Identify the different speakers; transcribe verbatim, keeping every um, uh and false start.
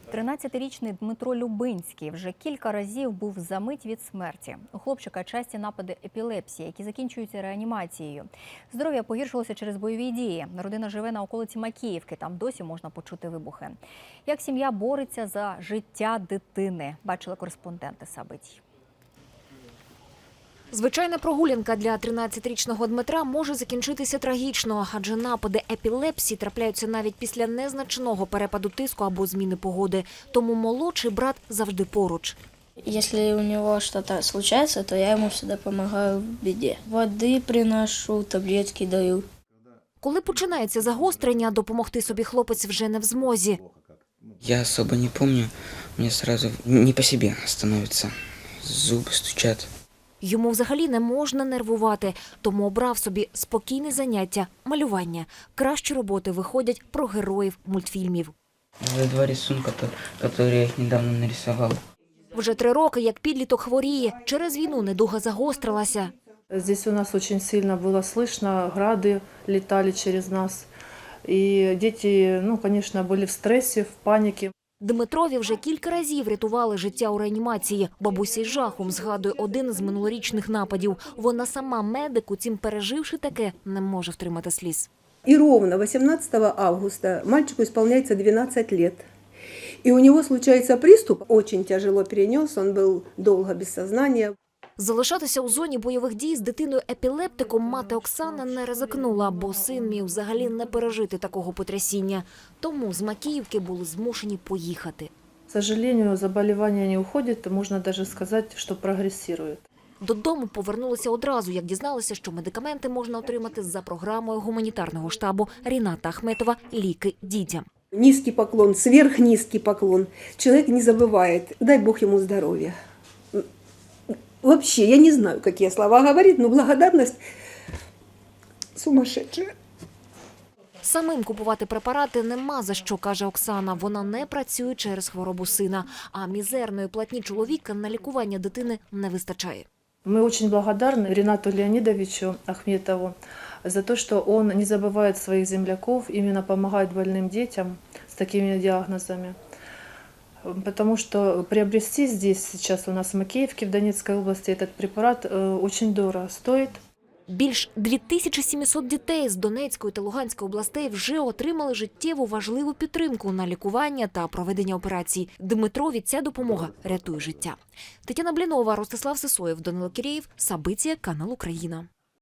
Speaker 1: тринадцятирічний Дмитро Любинський вже кілька разів був за мить від смерті. У хлопчика часті напади епілепсії, які закінчуються реанімацією. Здоров'я погіршилося через бойові дії. Родина живе на околиці Макіївки, там досі можна почути вибухи. Як сім'я бореться за життя дитини, бачили кореспонденти Сабитій.
Speaker 2: Звичайна прогулянка для тринадцятирічного Дмитра може закінчитися трагічно, адже напади епілепсії трапляються навіть після незначного перепаду тиску або зміни погоди. Тому молодший брат завжди поруч.
Speaker 3: Якщо у нього щось случається, то я йому завжди допомагаю в біді. Води приношу, таблетки даю.
Speaker 2: Коли починається загострення, допомогти собі хлопець вже не в змозі.
Speaker 4: Я особо не пам'ятаю, мені одразу не по собі становиться, зуби стучать.
Speaker 2: Йому взагалі не можна нервувати, тому обрав собі спокійне заняття – малювання. Кращі роботи виходять про героїв мультфільмів.
Speaker 4: Це два рисунки, які я недавно нарисував.
Speaker 2: Вже три роки, як підліток хворіє. Через війну недуга загострилася.
Speaker 5: Здесь у нас очень сильно было слышно, грады летали через нас. И дети, ну, конечно, были в стрессе, в панике.
Speaker 2: Дмитрові вже кілька разів рятували життя у реанімації. Бабуся із жахом згадує один з минулорічних нападів. Вона сама медик, утім переживши таке, не може втримати сліз.
Speaker 6: И ровно восемнадцатого августа мальчику исполняется двенадцать лет. И у него случается приступ, очень тяжело перенес, он был долго без сознания.
Speaker 2: Залишатися у зоні бойових дій з дитиною-епілептиком мати Оксана не ризикнула, бо син міг взагалі не пережити такого потрясіння. Тому з Макіївки були змушені поїхати.
Speaker 5: К сожалению, заболевание не уходит, можно даже сказать, что прогрессирует.
Speaker 2: Додому повернулися одразу, як дізналися, що медикаменти можна отримати за програмою гуманітарного штабу Ріната Ахметова «Ліки дітям».
Speaker 6: Низкий поклон, сверхнизкий поклон. Человек не забывает, дай Бог ему здоровья. Вообще, я не знаю, какие слова говорить, но благодарность сумасшедшая.
Speaker 2: Самим купувати препарати нема за що, каже Оксана. Вона не працює через хворобу сина, а мізерної платні чоловіка на лікування дитини не вистачає.
Speaker 5: Мы очень благодарны Ринату Леонидовичу Ахметову за то, что он не забывает своих земляков, именно помогает больным детям с такими диагнозами. Потому что приобрести здесь сейчас у нас в Макеевке, в Донецкой области, этот препарат очень дорого стоит.
Speaker 2: Більш дві тисячі сімсот дітей з Донецької та Луганської областей вже отримали життєву важливу підтримку на лікування та проведення операцій. Дмитрові ця допомога рятує життя. Тетяна Блінова, Ростислав Сисоєв, Данило Кірєєв, Сабитія, канал Україна.